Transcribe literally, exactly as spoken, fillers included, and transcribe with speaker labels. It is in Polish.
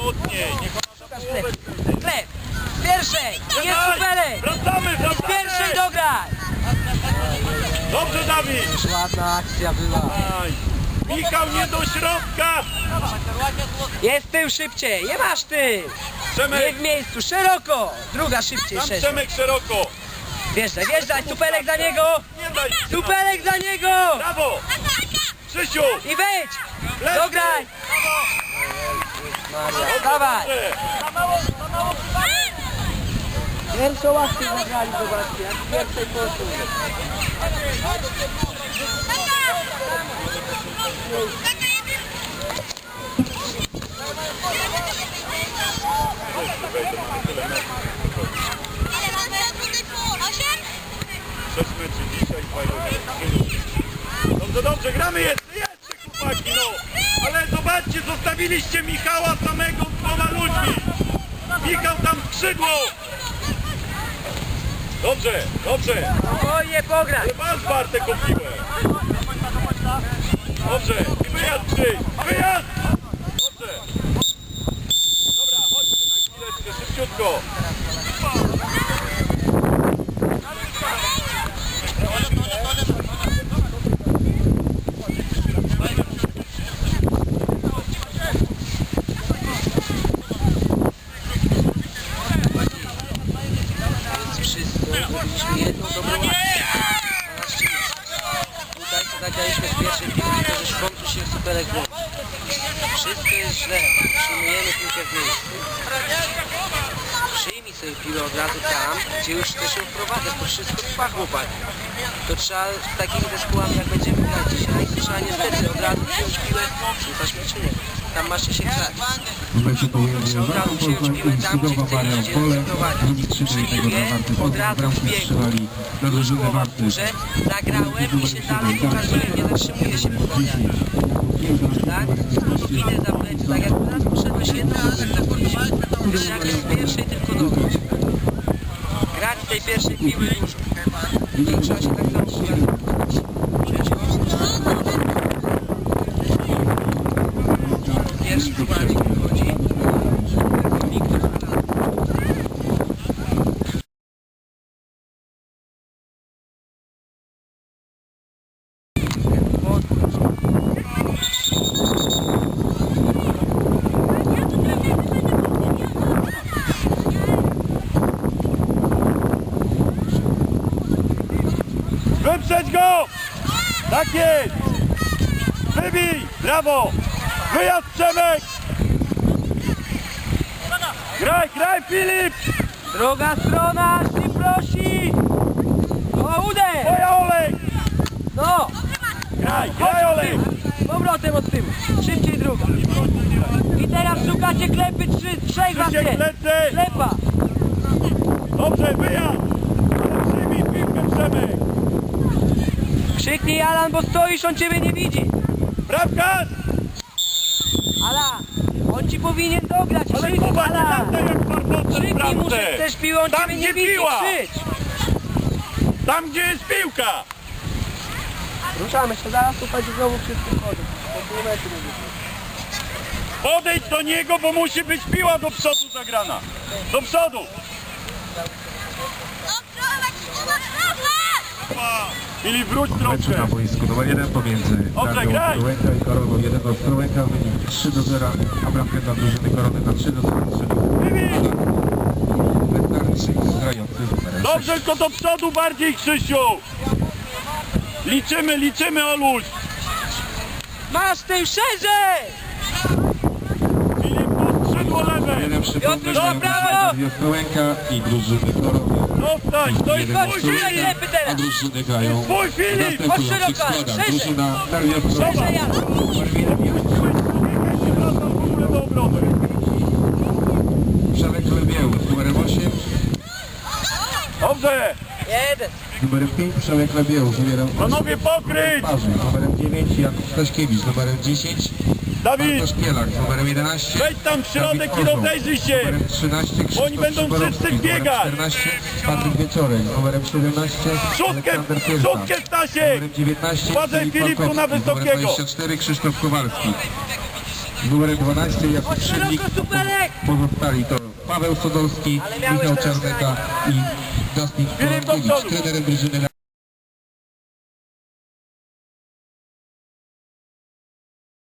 Speaker 1: mocniej. Niech ona na połowę.
Speaker 2: Klep! Pierwszej! Jest superek!
Speaker 1: Wracamy, wracamy!
Speaker 2: Pierwszej dograj!
Speaker 1: Dobrze, Dawid!
Speaker 2: Już ładna akcja była.
Speaker 1: Aj. Michał, nie do środka!
Speaker 2: Jest tył szybciej, nie masz tył! Nie
Speaker 1: Przemek,
Speaker 2: w miejscu, szeroko! Druga szybciej,
Speaker 1: tam
Speaker 2: szerzej.
Speaker 1: Przemek szeroko!
Speaker 2: Wjeżdżaj, wjeżdżaj, superek za niego!
Speaker 1: Nie daj się!
Speaker 2: Superek za niego!
Speaker 1: Brawo! Krzysiu!
Speaker 2: I wejdź!
Speaker 1: Lepiej.
Speaker 2: Dograj! Maria, dawaj!
Speaker 1: Dobrze.
Speaker 2: Pierwszą akcję zagrali, zobaczcie, jak w pierwszej poszło.
Speaker 1: sześć meczy dzisiaj, dwa Dobrze, dobrze, gramy jeszcze, jeszcze chłopaki, no! Ale zobaczcie, zostawiliście Michała samego z dwoma ludźmi! Michał tam skrzydło! Dobrze, dobrze!
Speaker 2: Spokojnie pograj!
Speaker 1: Ale masz Bartek o piłę! Dobrze, i wyjazd Krzyś! Wyjazd! Dobrze! Dobra, chodźcie na chwileczkę, szybciutko!
Speaker 2: Wszystko, zrobiliśmy jedną dobrą akcję. Tutaj co zagraliśmy z pierwszej piłki, to że w końcu się superek włączy. Wszystko jest źle, przyjmujemy piłkę w miejscu. Przyjmij sobie piłę od razu tam, gdzie już chcesz ją wprowadzać, to wszystko trwa, chłopak. To trzeba z takimi zespołami, jak będziemy grać dzisiaj, to trzeba niestety od razu wziąć piłę, czy zaśmiecinie. Tam masz się grać.
Speaker 3: W meczu pomiędzy Wartą Poznań i Skudowa Marian Pole drugi trzeciej tego dla Warty Poznań bramki strzelali dla drużyny Warty.
Speaker 2: Zagrałem i się dalej pokazuje, nie zatrzymuje się po nogach. Tak? Idę za plecy, tak jak teraz poszedłeś jedną, ale tak tak powiedzieć. Jak jest w pierwszej, tylko dobrze. Grać w tej pierwszej piły już. I trzeba się tak samo pokazać. Pierwszy chłopaczek wychodzi.
Speaker 1: Wyprzedź go! Tak jest! Wybij! Brawo! Wyjazd Przemek! Graj, graj Filip!
Speaker 2: Druga strona, ty prosi! O, uderz!
Speaker 1: Twoja Olek!
Speaker 2: No!
Speaker 1: Graj, graj Olek!
Speaker 2: Powrotem od tyłu. Szybciej druga. I teraz szukacie klepy, trzy, trzech was
Speaker 1: Krzysiek
Speaker 2: jest.
Speaker 1: plecy!
Speaker 2: Klepa.
Speaker 1: Dobrze, wyjazd! Przyjmij piłkę Przemek!
Speaker 2: Krzyknij Alan, bo stoisz, on ciebie nie widzi.
Speaker 1: Bramkarz!
Speaker 2: Alan, on ci powinien dograć.
Speaker 1: Ale
Speaker 2: Krzyknij,
Speaker 1: Kuba, nie
Speaker 2: Alan.
Speaker 1: daj jak farboce w
Speaker 2: Krzyknij mu, że
Speaker 1: bramce!
Speaker 2: chcesz piłą, on
Speaker 1: Tam,
Speaker 2: ciebie nie
Speaker 1: gdzie
Speaker 2: widzi.
Speaker 1: piła.
Speaker 2: Krzycz.
Speaker 1: Tam gdzie jest piłka!
Speaker 2: Ruszamy się, zaraz tu chodzi znowu wszyscy chodzą. Po pół metru będzie.
Speaker 1: Podejdź do niego, bo musi być piła do przodu zagrana. Do przodu! Filip, wróć
Speaker 3: W meczu na
Speaker 1: trochę.
Speaker 3: boisku numer jeden pomiędzy
Speaker 1: Dobrze,
Speaker 3: Gardią
Speaker 1: graj.
Speaker 3: Ostrołęka i Koroną jeden do Ostrołęka, wynik trzy do zera, a bramkę dla drużyny Korony na trzy do zera strzelił Letarczyk grający z numerem
Speaker 1: Dobrze, tylko do przodu bardziej, Krzysiu. Liczymy, liczymy, Oluś.
Speaker 2: Masz tył szerzej!
Speaker 1: Filip, tu skrzydło lewe.
Speaker 3: jeden przypomnę,
Speaker 2: Piotr,
Speaker 3: że
Speaker 2: brawo!
Speaker 3: Gardia Ostrołęka i drużyny Korony.
Speaker 1: Zostań, to jest
Speaker 3: jeden
Speaker 1: twój
Speaker 3: Ostrołęka,
Speaker 1: Filip.
Speaker 2: Klepy teraz.
Speaker 3: a drużyny grają
Speaker 1: Twój
Speaker 3: w
Speaker 1: Filip.
Speaker 3: następujących
Speaker 2: szeroko, ale
Speaker 3: składach.
Speaker 2: szerzej.
Speaker 3: Drużyna Gardia Ostrołęka.
Speaker 2: Szerzej, Alan.
Speaker 1: Wraca w ogóle do obrony.
Speaker 3: Przemek Lebieł z numerem osiem,
Speaker 1: Dobrze.
Speaker 2: Jeden.
Speaker 3: z numerem pięć Przemek Lebieł z numerem
Speaker 1: Panowie, pokryć.
Speaker 3: Parzy, z numerem dziewięć Jakub Staśkiewicz, z numerem dziesięć
Speaker 1: Dawid,
Speaker 3: Bartosz Kielak, z numerem jedenaście
Speaker 1: wejdź tam w środek
Speaker 3: Dawid
Speaker 1: i
Speaker 3: Orzeł,
Speaker 1: rozejrzyj
Speaker 3: z
Speaker 1: się.
Speaker 3: numerem trzynaście Krzysztof
Speaker 1: Oni będą
Speaker 3: Szyborowski,
Speaker 1: wszyscy
Speaker 3: z numerem
Speaker 1: biegać.
Speaker 3: czternaście Patryk Wieczorek, z numerem siedemnaście
Speaker 1: Przódkę,
Speaker 3: Aleksander Kielca,
Speaker 1: przódkę
Speaker 3: z
Speaker 1: Stasiek.
Speaker 3: numerem dziewiętnaście
Speaker 1: Uważaj,
Speaker 3: Filip
Speaker 1: Filip, tu na
Speaker 3: Walkowski, z numerem
Speaker 1: wysokiego.
Speaker 3: dwadzieścia cztery Krzysztof Kowalski. z numerem dwanaście Jakub Szydlik. Pozostali to Paweł Sodolski, Michał Czarneka i Dustin Kolankiewicz, trenerem drużyny.